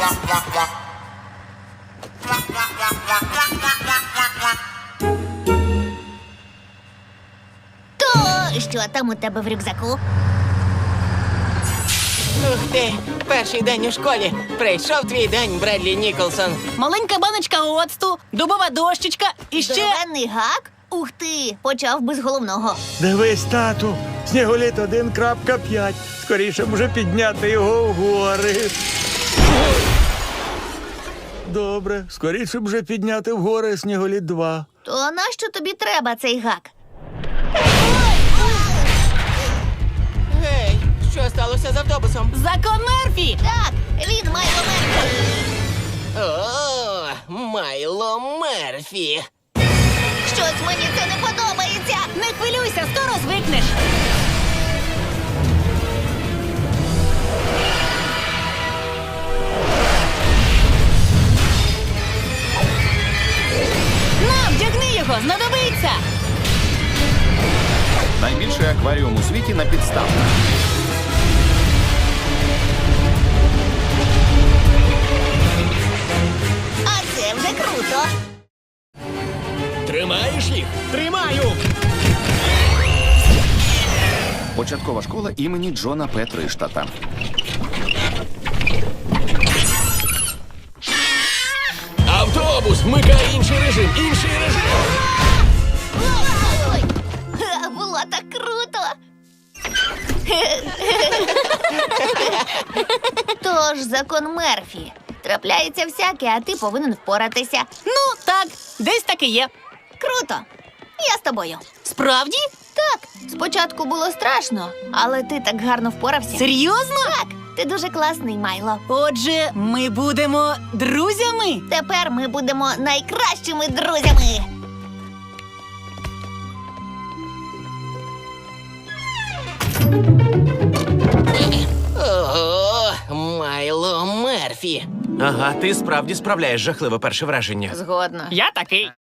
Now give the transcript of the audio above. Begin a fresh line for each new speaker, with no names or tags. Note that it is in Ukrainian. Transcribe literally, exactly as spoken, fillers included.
То що там у тебе в рюкзаку?
Ух ти, перший день у школі. Прийшов твій день, Бредлі Ніколсон.
Маленька баночка оцту, дубова дощечка і ще...
Здоровенний гак? Ух ти, почав би з головного.
Дивись, тату, сніголіт один крапка п'ять. Скоріше б вже підняти його вгори. Добре, скоріше б вже підняти вгори сніголіт два.
То нащо тобі треба цей гак?
Гей, що сталося з автобусом?
Закон Мерфі!
Так, він має Мерфі.
О, Майло Мерфі.
Щось мені це не подобається.
Не хвилюйся, скоро звикнеш. На, вдягни його, знадобиться!
Найбільший акваріум у світі на підставках.
А це вже круто.
Тримаєш їх? Тримаю!
Початкова школа імені Джона Петриштата.
Автобус, вмикай інший режим, інший режим!
Ой, ха, було так круто. Тож закон Мерфі. Трапляється всяке, а ти повинен впоратися.
Ну, так, десь так і є.
Круто. Я з тобою.
Справді?
Так, спочатку було страшно, але ти так гарно впорався.
Серйозно?
Так, ти дуже класний, Майло.
Отже, ми будемо друзями.
Тепер ми будемо найкращими друзями.
Ого, Майло Мерфі.
Ага, ти справді справляєш жахливе перше враження.
Згодна.
Я такий.